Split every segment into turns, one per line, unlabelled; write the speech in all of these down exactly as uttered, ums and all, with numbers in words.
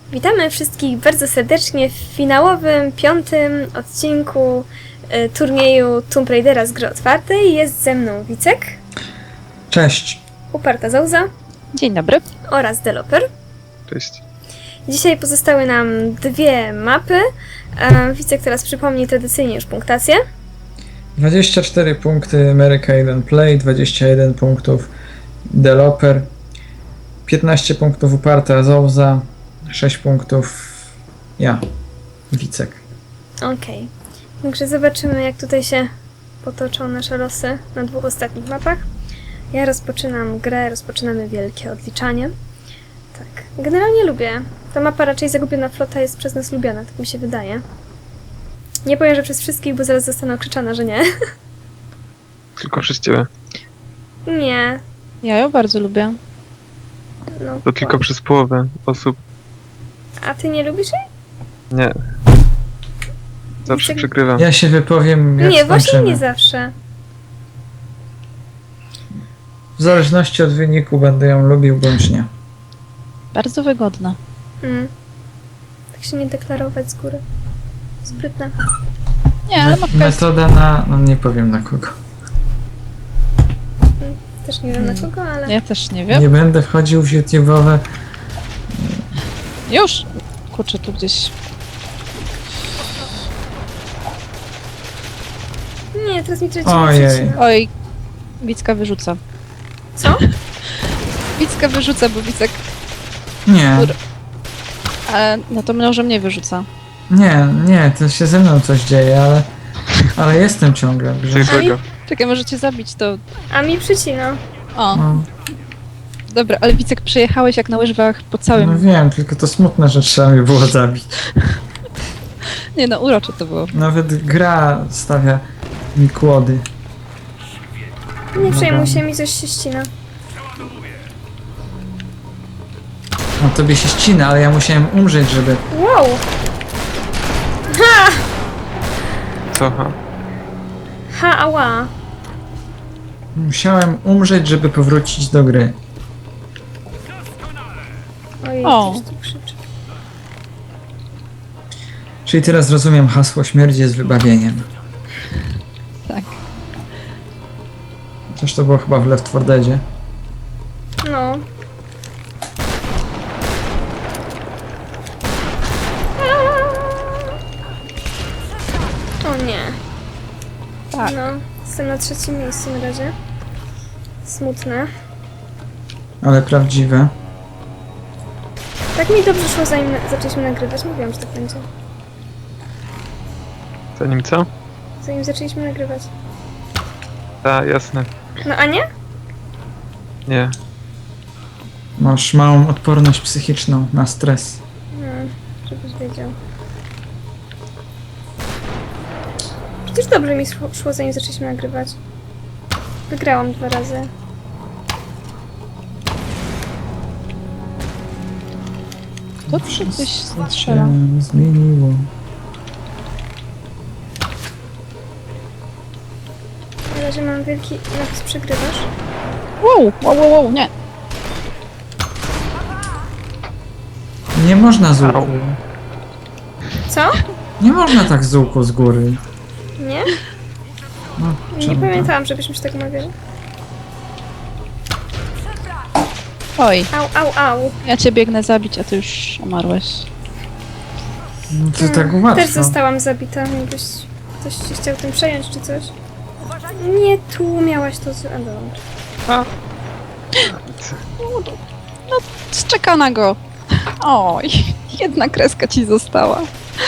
Witamy wszystkich bardzo serdecznie w finałowym, piątym odcinku y, turnieju Tomb Raidera z gry otwartej. Jest ze mną Wicek.
Cześć.
Uparta Zauza.
Dzień dobry.
Oraz Deloper.
Cześć.
Dzisiaj pozostały nam dwie mapy. E, Wicek teraz przypomni tradycyjnie już punktację.
dwadzieścia cztery punkty America jeden Play, dwadzieścia jeden punktów Deloper, piętnaście punktów Uparta Zouza, sześć punktów ja, Wicek.
Okej. Także zobaczymy, jak tutaj się potoczą nasze losy na dwóch ostatnich mapach. Ja rozpoczynam grę, rozpoczynamy wielkie odliczanie. Tak. Generalnie lubię. Ta mapa raczej Zagubiona Flota jest przez nas lubiana, tak mi się wydaje. Nie powiem, że przez wszystkich, bo zaraz zostanę okrzyczana, że nie.
Tylko przez ciebie.
Nie.
Ja ją bardzo lubię.
No.
To tylko przez połowę osób.
A ty nie lubisz jej?
Nie. Zawsze
Wicek-
przegrywam.
Ja się wypowiem jak
Nie, właśnie
skończymy.
nie zawsze.
W zależności od wyniku będę ją lubił bądź nie.
Bardzo wygodna.
Mm. Tak się nie deklarować z góry. Sprytne.
Nie, ale mapka jest...
Metoda na... no nie powiem na kogo.
Też nie wiem na kogo, ale...
Ja też nie wiem.
Nie będę wchodził w YouTube'owe.
Już! Kurczę, tu gdzieś...
Nie, teraz mi traci
Ojej.
Oj, Wicka wyrzuca.
Co?
Wicka wyrzuca, bo Wicek...
Nie,
Kur- Ale no to może mnie wyrzuca.
nie, nie, to się ze mną coś dzieje, ale... Ale jestem ciągle w grze.
Coś złego.
Czekaj, możecie zabić to...
A mi przycina.
O,
No,
dobra, ale Wicek przejechałeś jak na łyżwach po całym...
no wiem, tylko to smutne, że trzeba mnie było zabić.
Nie no, urocze to było.
Nawet gra stawia mi kłody.
Nie
No
przejmuj
dobra.
się, mi coś się ścina.
No tobie się ścina, ale ja musiałem umrzeć, żeby...
Wow! Ha!
Co? Ha?
Ha, ała.
Musiałem umrzeć, żeby powrócić do gry.
Ojej,
O.
coś tu krzyczy.
Czyli teraz rozumiem hasło śmierć jest wybawieniem.
Tak.
Chociaż to było chyba w Left four Deadzie.
No. O nie.
Tak.
No, jestem na trzecim miejscu na razie. Smutne.
Ale prawdziwe.
Tak mi dobrze szło, zanim na- zaczęliśmy nagrywać. Mówiłam, że tak będzie.
Zanim co?
Zanim zaczęliśmy nagrywać.
Ta, jasne.
No a nie?
Nie.
Masz małą odporność psychiczną na stres.
No, żebyś wiedział. Przecież dobrze mi szło, szło, zanim zaczęliśmy nagrywać. Wygrałam dwa razy.
Kto przy coś strzela?
Się zmieniło.
Na razie mam wielki napis przegrywasz.
Wow, wow, wow, wow, nie.
Nie można z łuku.
Au.
Co?
Nie można tak z łuku z góry.
Nie?
No,
Nie
czemu tak?
pamiętałam, żebyśmy się tak umawiali.
Oj,
Au, au, au.
ja cię biegnę zabić, a ty już umarłeś.
No to tak
Też
łatwo.
zostałam zabita. Jakbyś ktoś się chciał tym przejąć, czy coś. Nie, tu miałaś to... z- A, dobra.
Czeka na go. Oj, jedna kreska ci została.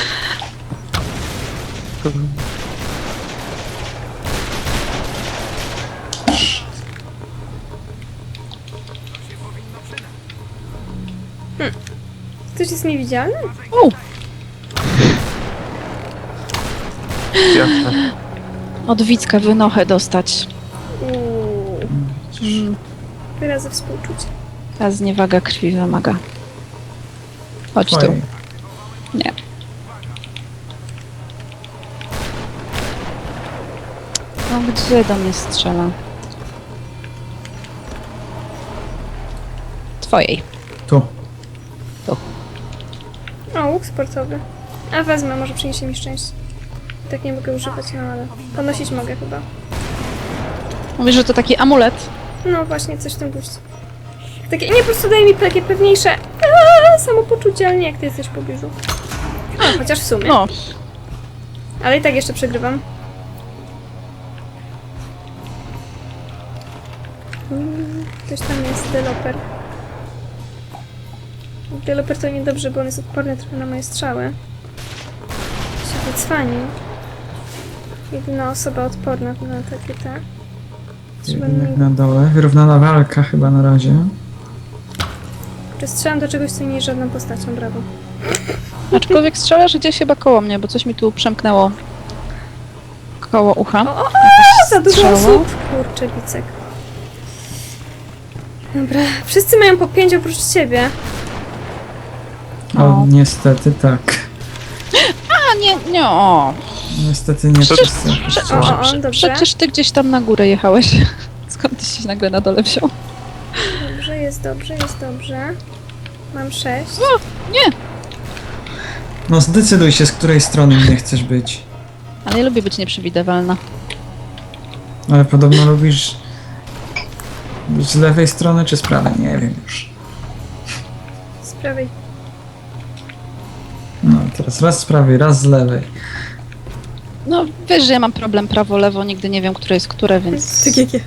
Ktoś jest niewidzialny?
Wow,
Jasne.
od Wicka wynochę dostać.
Uuu.
Mm,
Wyrazy współczucia.
ta zniewaga krwi wymaga. Chodź tu.
Oj.
Nie. No gdzie do mnie strzela? Twojej.
Tu.
Tu.
łuk sportowy. A wezmę, może przyniesie mi szczęście. Tak nie mogę używać, no ale ponosić mogę chyba.
Mówisz, że to taki amulet.
No właśnie, coś w tym guście. Takie, nie, po prostu daje mi takie pewniejsze aaa, samopoczucie, ale nie jak ty jesteś w pobliżu. No, chociaż w sumie.
No,
Ale i tak jeszcze przegrywam. Mm, Ktoś tam jest, deweloper. Deweloper to niedobrze, bo on jest odporny trochę na moje strzały. Się wycwanił. Jedyna osoba odporna na takie te. Trzeba
Jednak
mi...
na dole. Wyrównana walka chyba na razie.
Czy strzelam do czegoś, co nie jest żadną postacią, brawo.
aczkolwiek strzelasz gdzieś chyba koło mnie, bo coś mi tu przemknęło koło ucha.
O, o, o, za dużo
strzała.
osób! Kurczę, Wicek. Dobra, wszyscy mają po pięć oprócz ciebie.
O,
O.
niestety tak.
A nie, nie, o.
Niestety nie
Przecież-
wszyscy.
O, o, o, dobrze.
Przecież ty gdzieś tam na górę jechałeś. Skąd ty się nagle na dole wziął?
Dobrze, jest dobrze, jest dobrze. Mam sześć.
Nie!
No zdecyduj się, z której strony nie chcesz być.
Ale ja lubię być nieprzewidywalna.
Ale podobno lubisz być z lewej strony czy z prawej? Nie wiem już.
Z prawej.
No teraz raz z prawej, raz z lewej.
No wiesz, że ja mam problem prawo-lewo, nigdy nie wiem, które jest które, więc...
Tak jak ja.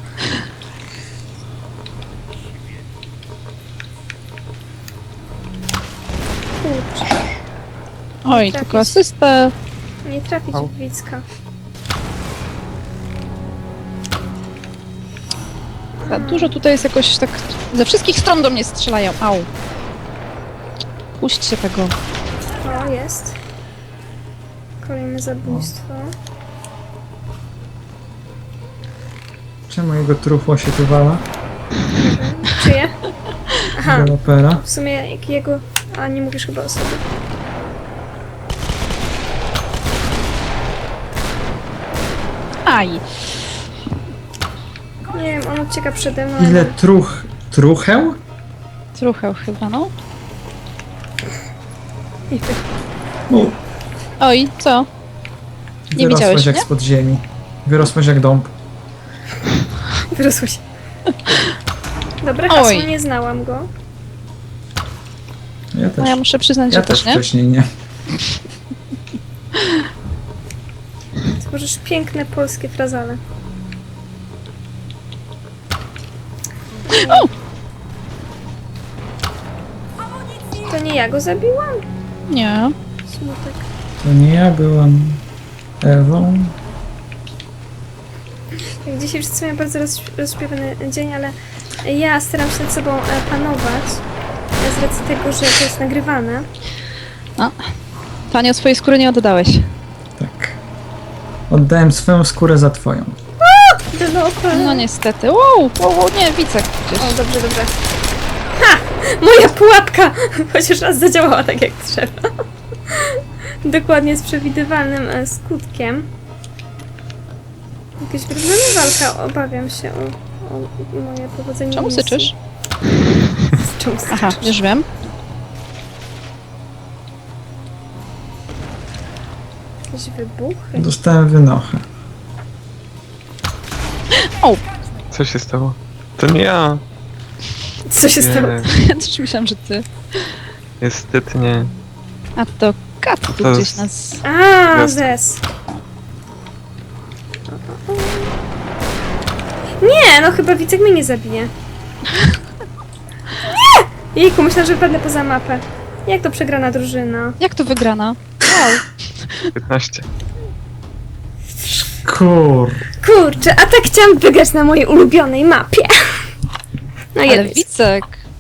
Kurczę,
Oj,
trafić.
tylko asystę.
nie trafić
Au.
w Wicka.
Za dużo tutaj jest jakoś tak... Ze wszystkich stron do mnie strzelają. Au. Puśćcie tego.
O, jest. Kolejne zabójstwo.
Czemu jego trufło się tu wala?
Czyje? Aha,
Developera.
w sumie jak jego... A, nie mówisz chyba o sobie.
Aj.
Nie wiem, on ucieka przede mną.
Ile truch... trucheł?
Trochę chyba, no.
I ty.
U,
Oj, co? Nie
wyrosłaś
widziałeś
jak
mnie?
spod ziemi. Wyrosłaś jak dąb.
Wyrosło się. Dobre hasło,
Oj.
nie znałam go.
Ja też.
No ja muszę przyznać,
Ja
że
też
też nie.
wcześniej nie.
Tworzysz piękne polskie frazale.
O!
To nie ja go zabiłam?
Nie.
Smutek.
To nie ja byłam Ewą.
Jak dzisiaj wszyscy mają bardzo roz, rozśpiewany dzień, ale ja staram się nad sobą e, panować e, z racji tego, że to jest nagrywane.
Tania, swojej skóry nie oddałeś.
Tak. Oddałem swoją skórę za twoją.
Deweloper.
No niestety. Wow, wow, wow, nie, Wicek gdzieś.
O, dobrze, dobrze. Ha! Moja pułapka! Chociaż raz zadziałała tak jak trzeba. Dokładnie z przewidywalnym e, skutkiem. Jakaś wyrównana walka, obawiam się o, o moje powodzenie.
Czemu
misji.
syczysz?
Czemu syczysz?
Aha, już wiem.
Jakieś wybuchy.
Dostałem wynochę.
O,
Co się stało? To nie ja.
Co się stało?
Nie,
ja też myślałam, że ty.
niestety nie.
A to kat tu
To
gdzieś
jest-
nas...
A,
Jest.
zes. Nie, no chyba Wicek mnie nie zabije. Nie! Jejku, myślę, że wypadnę poza mapę. Jak to przegrana drużyna?
Jak to wygrana? Wow.
piętnaście.
Kur...
Kurczę, a tak chciałam wygrać na mojej ulubionej mapie. No
Ale
jedź.
Wicek,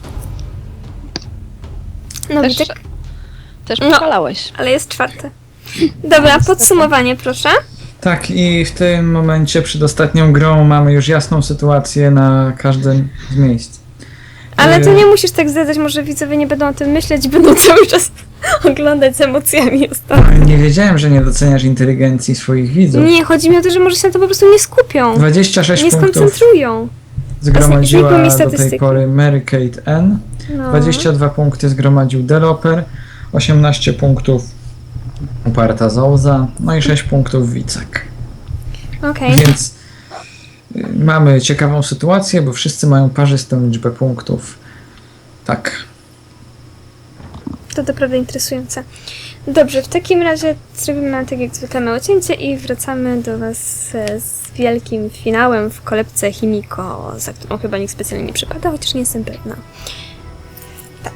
No
też,
Wicek,
też
No.
pokalałeś.
ale jest czwarte. Dobra, podsumowanie proszę.
Tak, i w tym momencie przed ostatnią grą mamy już jasną sytuację na każdym z miejsc.
Ale to
Yy,
nie musisz tak zdradzać, może widzowie nie będą o tym myśleć, będą cały czas oglądać z emocjami ostatnio.
Nie wiedziałem, że nie doceniasz inteligencji swoich widzów.
Nie, chodzi mi o to, że może się na to po prostu nie skupią.
dwadzieścia sześć
Nie
punktów
skoncentrują.
zgromadziła
Znikły mi
do tej
statystyki.
pory Mary Kate N.
No.
dwadzieścia dwa punkty zgromadził Developer. osiemnaście punktów uparta Zouza, no i sześć punktów Wicek.
Okej.
Więc y, mamy ciekawą sytuację, bo wszyscy mają parzystą liczbę punktów. Tak.
To naprawdę interesujące. Dobrze, w takim razie zrobimy tak jak zwykle małe cięcie i wracamy do Was e, z wielkim finałem w kolebce Himiko, za którą chyba nikt specjalnie nie przypada, chociaż nie jestem pewna. Tak.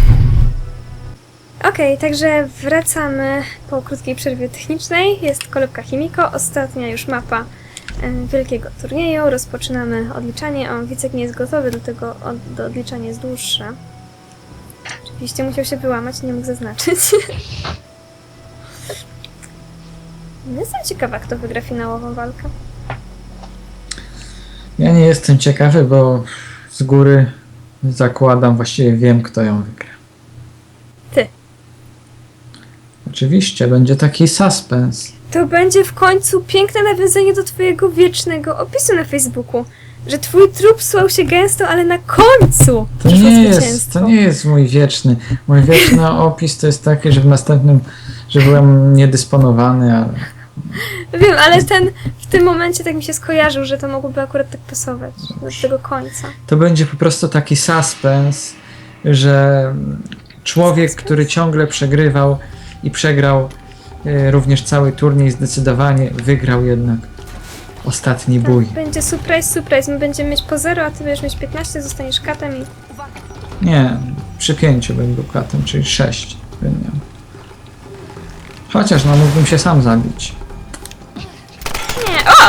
Okej, także wracamy po krótkiej przerwie technicznej. Jest kolebka Himiko, ostatnia już mapa e, wielkiego turnieju. Rozpoczynamy odliczanie. O, Wicek nie jest gotowy, dlatego od, do odliczania jest dłuższe. Oczywiście musiał się wyłamać, nie mógł zaznaczyć. Jestem ciekawa, kto wygra finałową walkę.
Ja nie jestem ciekawy, bo z góry zakładam, właściwie wiem, kto ją wygra.
Ty.
Oczywiście, będzie taki suspens.
To będzie w końcu piękne nawiązanie do twojego wiecznego opisu na Facebooku. Że twój trup słał się gęsto, ale na końcu
To
przyszło
nie, jest,
zwycięstwo.
to nie jest mój wieczny. Mój wieczny opis to jest taki, że w następnym, że byłem niedysponowany, ale
Wiem, ale ten w tym momencie tak mi się skojarzył, że to mogłoby akurat tak pasować do tego końca.
to będzie po prostu taki suspens, że człowiek, który ciągle przegrywał i przegrał e, również cały turniej, zdecydowanie wygrał jednak ostatni bój.
Tak, będzie surprise, surprise. My będziemy mieć po zero, a ty będziesz mieć piętnaście, zostaniesz katem i...
Nie, przy pięciu bym był katem, czyli sześć bym miał. Chociaż no mógłbym się sam zabić.
Nie, o!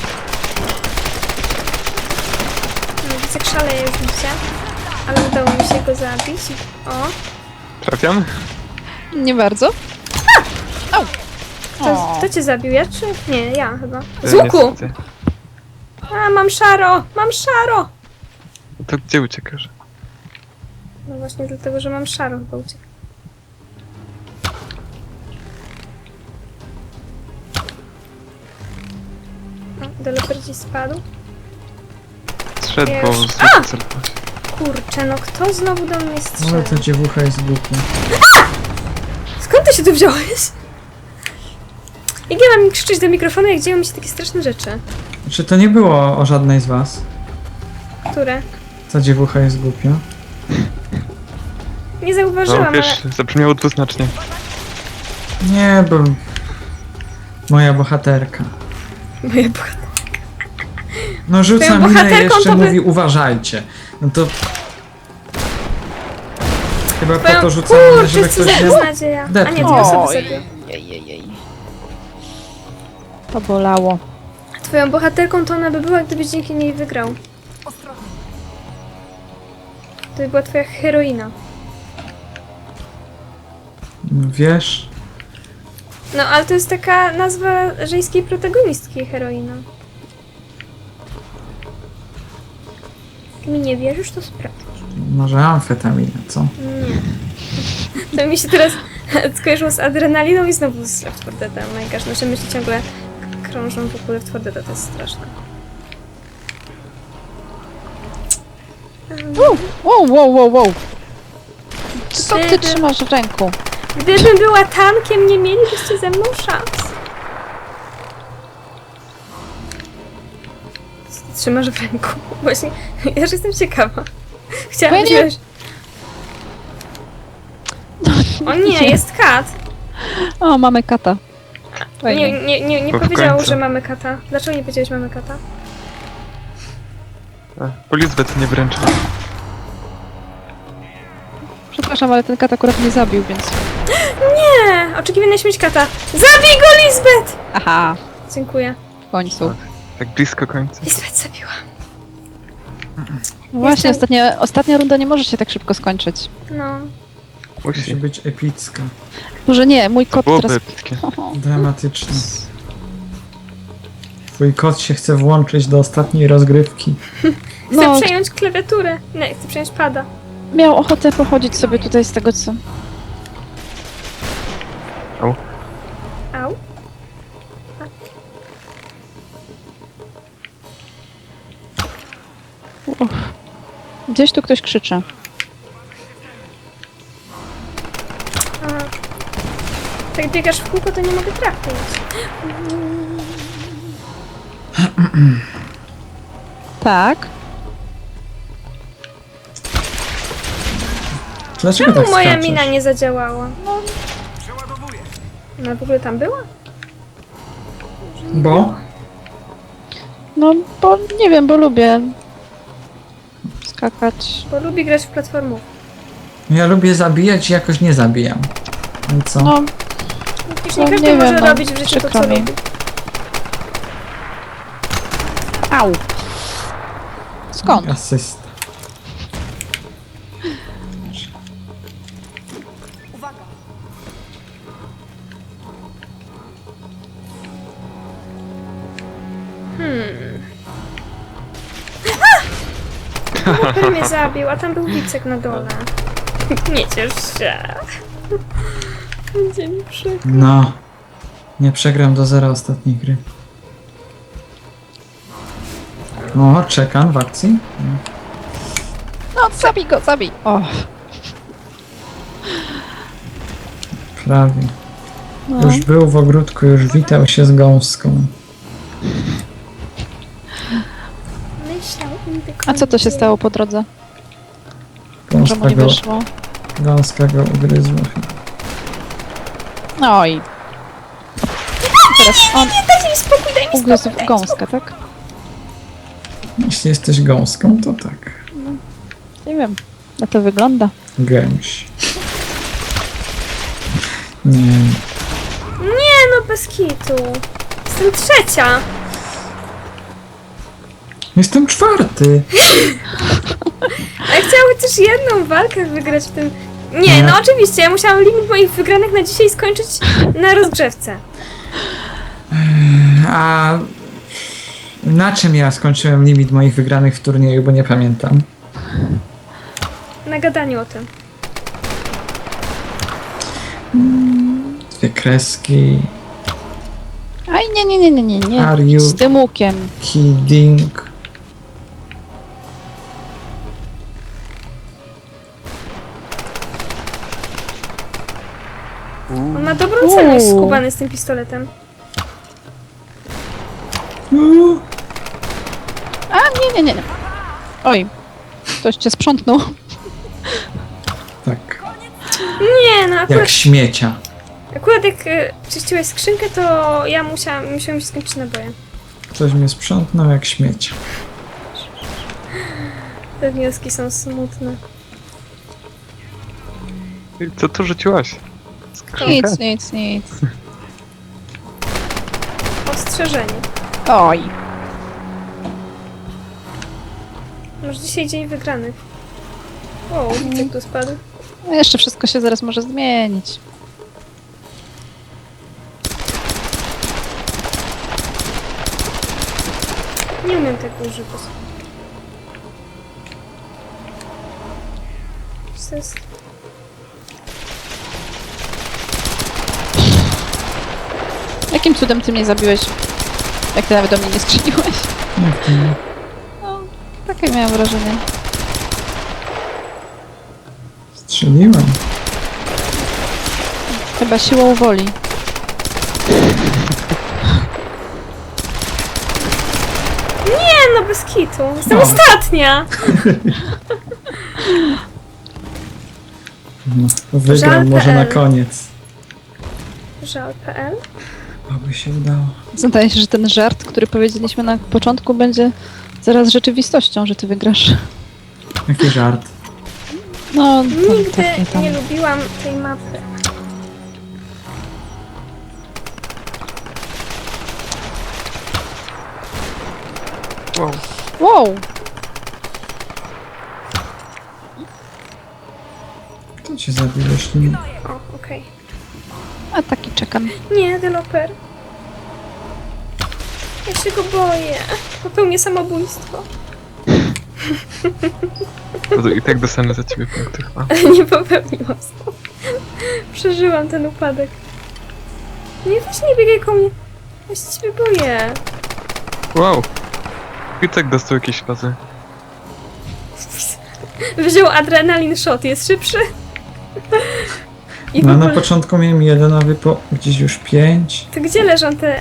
No, Wicek szaleje już bicie, ale udało mi się go zabić. O,
Trafiam?
Nie bardzo. Au!
kto,
O.
kto cię zabił? Ja czy... Nie, ja chyba.
E,
Z łuku!
niestety.
A, mam szaro! Mam szaro!
To gdzie uciekasz?
No właśnie dlatego, że mam szaro chyba uciekł. O, deweloper gdzieś spadł.
Zszedł,
Ja
bo
już-
z
A!
celowałem.
Kurczę, no kto znowu do mnie
Ale
strzela?
to dziewucha jest głupia.
Skąd ty się tu wziąłeś? Jak ja mam krzyczeć do mikrofonu, jak dzieją mi się takie straszne rzeczy?
Czy to nie było o żadnej z was?
Które?
Ta dziewucha jest głupia.
Nie zauważyłam,
No wiesz,
ale...
zabrzmiało dwuznacznie.
Nie, bo moja bohaterka.
Moja bohaterka.
No rzuca
Twoją
minę i
bohaterką
jeszcze
to by-
mówi uważajcie. No to... Chyba po
Twoją...
to rzuca minę, żeby
Kurczę, co
ktoś
za
nie...
beznadzieja. A nie,
depnął.
dwie osoby
Oj,
zabił.
jej, jej, jej. To bolało.
Twoją bohaterką to ona by była, gdybyś dzięki niej wygrał. To by była twoja heroina.
No wiesz...
No, ale to jest taka nazwa żeńskiej protagonistki, heroina. Jak mi nie wierzysz, to sprawdź.
Może amfetamina, co?
Nie. To mi się teraz skojarzyło z adrenaliną i znowu z Left four Deadem. Najgorzej, nasze myśli ciągle k- krążą wokół Left four Deada, to jest straszne.
Wow, wow, wow, wow, wow. Co ty
Gdyby-
trzymasz w ręku?
Gdybym była tankiem, nie mielibyście ze mną szans. Co ty trzymasz w ręku? Właśnie, ja już jestem ciekawa. Chciałam
Bo ja nie-
wziąć... O nie, jest kat.
O, mamy kata.
Nie,
Fajnie.
nie, nie, nie
Bo w
powiedział,
końcu.
że mamy kata. Dlaczego nie powiedziałeś mamy kata?
A, bo Lizbeth nie wręcza.
Przepraszam, ale ten kat akurat mnie zabił, więc...
Nie! Oczekiwana śmierć kata. Zabij go, Lisbeth!
Aha,
Dziękuję.
w końcu.
Tak blisko końca.
Lisbeth zabiła.
No właśnie,
Jestem-
ostatnia, ostatnia runda nie może się tak szybko skończyć.
No.
Musi
Musi.
być epicka,
Może nie, mój kot
Byłoby
teraz...
epickie.
Oho.
dramatyczna. Twój kot się chce włączyć do ostatniej rozgrywki.
Chcę
No,
przejąć klawiaturę. Nie, chcę przejąć pada.
miał ochotę pochodzić sobie tutaj z tego, co...
Au.
Au.
Uff. Gdzieś tu ktoś krzyczy.
A, Tak biegasz w kółko, to nie mogę trafić.
Tak.
Dlaczego
Czemu
tak
moja
skaczesz?
mina nie zadziałała? Ona w ogóle tam była?
Bo?
No, bo nie wiem, bo lubię skakać.
Bo lubi grać w platformów.
Ja lubię zabijać i jakoś nie zabijam. I co?
No,
Już
No,
nie każdy
nie
może
wiem, no,
robić w życiu to,
przykro
co
mi.
lubi.
au. Skąd?
Asysta.
Super mnie zabił, a tam był Wicek na dole. Nie ciesz się. Będzie mi przykro.
No. Nie przegram do zera ostatniej gry. O, czekam w akcji.
No, zabij go, zabij. O,
Prawie.
no.
Już był w ogródku, już witał się z gąską.
Myślał indyk.
A co to się stało po drodze? Że mu
Gąska
nie
go,
wyszło?
gąska go ugryzła.
Oj. Teraz on
Dajcie mi spokój, daj mi
ugryzł
spokój.
w
daj mi
gąskę, tak?
Jeśli jesteś gąską, to tak.
Nie wiem, na to wygląda.
Gęś. Nie.
Nie no, bez kitu. Jestem trzecia.
Jestem czwarty.
A ja chciałam chociaż jedną walkę wygrać w tym... Nie,
Nie.
no oczywiście, ja musiałam limit moich wygranych na dzisiaj skończyć na rozgrzewce.
A na czym ja skończyłem limit moich wygranych w turnieju, bo nie pamiętam.
Na gadaniu o tym.
Dwie kreski.
Aj, nie, nie, nie, nie, nie, nie.
Are you-
Z tym łukiem.
Kidding.
On ma dobrą celność skubany z tym pistoletem.
Uuu.
A, nie, nie, nie, nie. Oj, ktoś cię sprzątnął.
Tak.
Nie no, akurat,
Jak śmiecia.
akurat jak y, czyściłeś skrzynkę, to ja musiałam, musiałam się skończyć naboje.
Ktoś mnie sprzątnął jak śmiecia.
Te wnioski są smutne.
I co tu rzuciłaś? Skrzynkę?
Nic, nic, nic.
Ostrzeżenie.
Oj.
Może dzisiaj dzień wygranych. O, Wicek tu spadł.
No jeszcze wszystko się zaraz może zmienić.
Nie umiem tego używać. Co jest?
Jakim cudem ty mnie zabiłeś? Jak ty nawet do mnie nie strzeliłeś?
Jak to nie?
No, takie miałem wrażenie.
Strzeliłem.
Chyba siłą woli.
Nie no, bez kitu. Jestem
O.
ostatnia!
No, wygram
Żal
może na
kropka pe el.
koniec.
Żal kropka pe el.
Oby się udało.
Zdaje się, że ten żart, który powiedzieliśmy na początku, będzie zaraz rzeczywistością, że ty wygrasz.
Jaki żart.
No, tam,
Nigdy
takie tam.
nie lubiłam tej mapy.
Wow.
Wow!
Kto cię zabił, jeśli nie?
O, okej.
A taki czekam.
Nie, deweloper. Ja się go boję. Popełnię samobójstwo.
To I tak dostanę za ciebie punkty chyba.
Ale nie popełniłam samobójstwa. Przeżyłam ten upadek. Nie, weź nie biegaj koło mnie. Ja się ciebie boję.
Wow. I tak dostał jakieś fazy.
Wziął adrenalin shot, jest szybszy. I w
No na
ogóle,
początku miałem jeden, a wy po gdzieś już pięć.
to gdzie leżą te...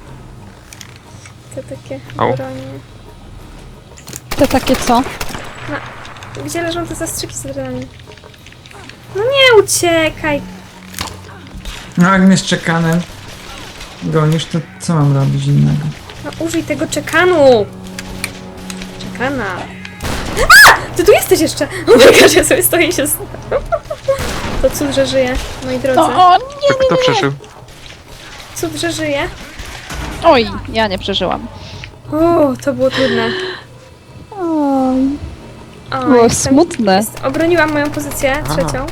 Te takie
Au.
bronie?
Te takie co?
Gdzie leżą te zastrzyki z broni? No nie uciekaj!
No jak mnie z czekanem gonisz, to co mam robić innego?
No użyj tego czekanu! Czekana. A! Ty tu jesteś jeszcze! O my gosh, ja sobie stoję i się... z- To cud, że żyje, moi drodzy.
No, o nie,
To kto przeżył?
Cud, że żyje.
oj, ja nie przeżyłam.
O, to było trudne.
Oj,
O,
było
jestem,
smutne.
jest, obroniłam moją pozycję,
A.
trzecią.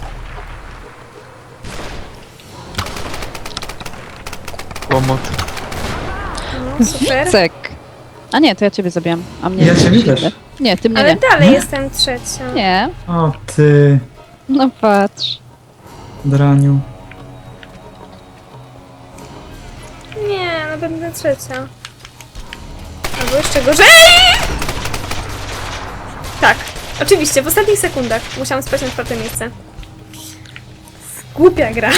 Łomot.
No, super.
Cek. A nie, to ja ciebie zabijam. A mnie
Ja
nie.
ciebie też.
Nie, ty mnie
Ale
nie.
dalej
Nie?
jestem trzecią.
Nie.
O ty,
No patrz.
draniu.
Nie, no będę trzecia. Albo jeszcze gorzej! Tak, oczywiście, w ostatnich sekundach musiałam spać na czwarte miejsce. Głupia gra.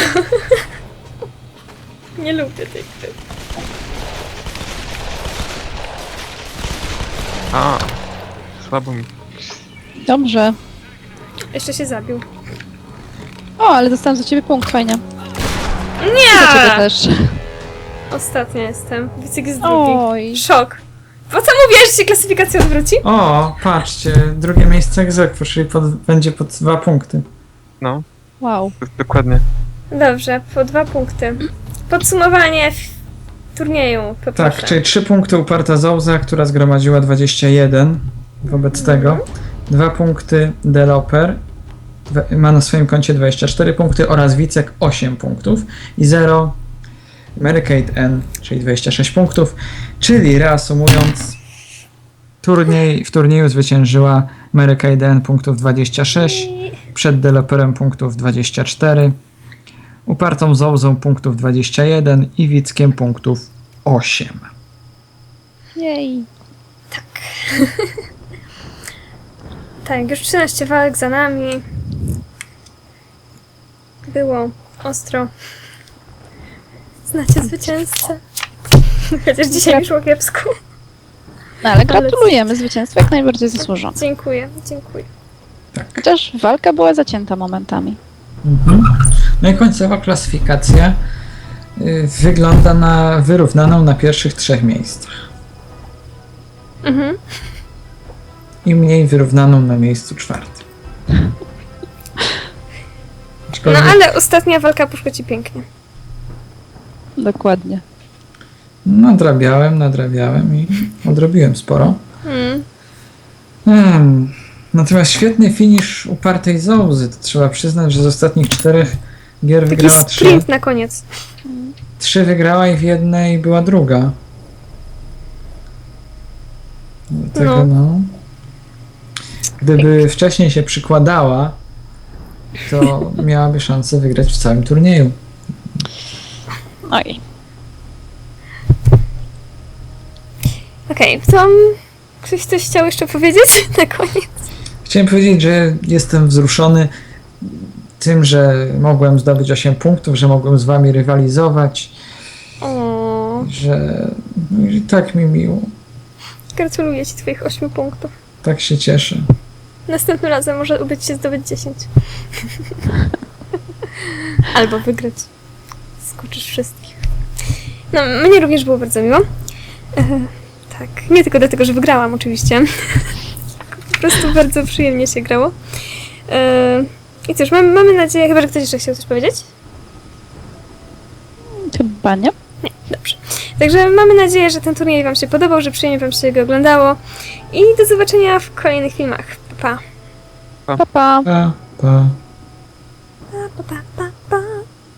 Nie lubię tej gry.
A, słabo mi.
Dobrze.
Jeszcze się zabił.
O, ale dostałam za ciebie punkt, fajnie. Za ciebie
Nie!
też.
Ostatnia jestem. Wicek jest drugi.
Oj.
Szok. Po co mówiłeś, że się klasyfikacja odwróci?
O, patrzcie, drugie miejsce egzekwo, czyli pod, będzie pod dwa punkty.
No,
Wow.
to jest dokładnie.
Dobrze, po dwa punkty. Podsumowanie f- turnieju, poproszę.
Tak, czyli trzy punkty uparta Zouza, która zgromadziła dwadzieścia jeden. Wobec tego dwa punkty Deloper, dwa- ma na swoim koncie dwadzieścia cztery punkty oraz Wicek osiem punktów i zero Mary Kate N, czyli dwadzieścia sześć punktów. Czyli reasumując, turniej, w turnieju zwyciężyła Mary Kate N punktów dwadzieścia sześć,
I...
przed Deloperem punktów dwadzieścia cztery, upartą Zouzą punktów dwadzieścia jeden i Wickiem punktów osiem.
Jej.
Tak, już trzynaście walk za nami. Było ostro. Znacie zwycięzcę. Chociaż dzisiaj mi szło kiepsko.
No ale gratulujemy, zwycięstwo jak najbardziej zasłużone.
Dziękuję, dziękuję.
Chociaż walka była zacięta momentami.
Mhm. No i końcowa klasyfikacja y, wygląda na wyrównaną na pierwszych trzech miejscach
Mhm.
i mniej wyrównaną na miejscu czwartym.
No
Aczkolwiek,
ale ostatnia walka poszła ci pięknie.
Dokładnie.
nadrabiałem, nadrabiałem i odrobiłem sporo.
Mm.
Hmm. Natomiast świetny finisz upartej Zouzy. To trzeba przyznać, że z ostatnich czterech gier
Taki
wygrała trzy.
sprint na koniec.
Trzy wygrała i w jednej była druga. Dlatego
No.
no. Gdyby wcześniej się przykładała, to miałaby szansę wygrać w całym turnieju.
Oj.
Okej, to um, ktoś coś chciał jeszcze powiedzieć na koniec?
Chciałem powiedzieć, że jestem wzruszony tym, że mogłem zdobyć osiem punktów, że mogłem z wami rywalizować,
O,
że no i tak mi miło.
gratuluję ci twoich ośmiu punktów.
Tak się cieszę.
Następnym razem może uda ci się zdobyć dziesięć. Albo wygrać. Skoczysz wszystkich. No, mnie również było bardzo miło. E, tak, nie tylko dlatego, że wygrałam oczywiście. Po prostu bardzo przyjemnie się grało. E, I cóż, mamy, mamy nadzieję, chyba że ktoś jeszcze chciał coś powiedzieć?
Chyba nie.
Dobrze. Także mamy nadzieję, że ten turniej wam się podobał, że przyjemnie wam się go oglądało. I do zobaczenia w kolejnych filmach. Pa, pa.
Pa, pa.
Pa, pa.
Pa, pa, pa, pa.